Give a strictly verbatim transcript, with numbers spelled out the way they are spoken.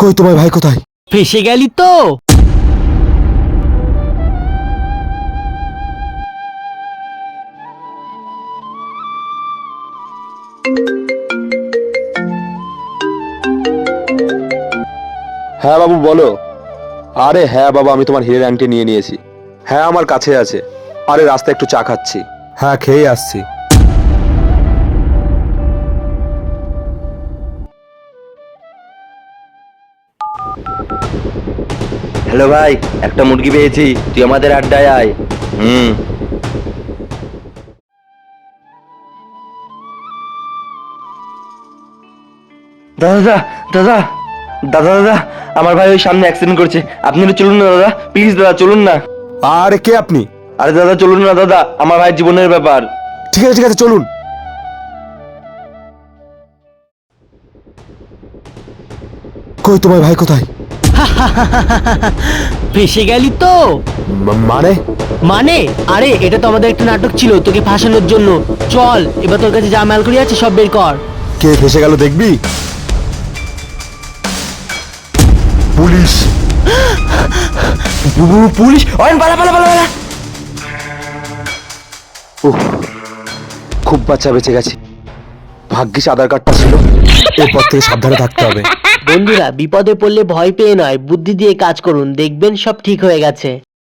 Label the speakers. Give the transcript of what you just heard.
Speaker 1: কই তোমার ভাই কোথায়?
Speaker 2: ফেসে গেলি তো।
Speaker 1: হ্যাঁ বাবু বলো। আরে হ্যাঁ বাবা, আমি তোমার হিরের আংটি নিয়ে নিয়েছি। হ্যাঁ আমার কাছে আছে। আরে রাস্তায় একটু চা খাচ্ছি। হ্যাঁ খেয়ে আসছি।
Speaker 3: হ্যালো ভাই, একটা মুরগি পেয়েছি, তুই আমাদের আড্ডায় আয়। হুম। দাদা দাদা দাদা দাদা দাদা আমার ভাই ওই সামনে অ্যাক্সিডেন্ট করছে, আপনি একটু চলুন না দাদা, প্লিজ দাদা চলুন না।
Speaker 1: আরে কে আপনি?
Speaker 3: আরে দাদা চলুন না দাদা, আমার ভাইয়ের জীবনের ব্যাপার।
Speaker 1: ঠিক আছে ঠিক আছে চলুন। কই তোমার ভাই কোথায়?
Speaker 2: ফেসে গেলি তো।
Speaker 1: মা- মানে
Speaker 2: মানে আরে এটা তো আমাদের একটা নাটক ছিল তোকে ফাঁসানোর জন্য। চল এবার তোর কাছে যা মাল করি আছে সব বের কর।
Speaker 1: কে ফেসে গেল দেখবি? পুলিশ।
Speaker 3: পুলিশ! অয়ন পালা পালা পালা পালা!
Speaker 1: উহ, খুব বাচ্চা বেঁচে গেছি। ভাগ্যিস আধার কার্ডটা ছিল। এরপর থেকে সাবধানে থাকতে হবে।
Speaker 2: বন্ধুরা বিপদে পড়লে ভয় পেয়ে নয় বুদ্ধি দিয়ে কাজ করুন, দেখবেন সব ঠিক হয়ে গেছে।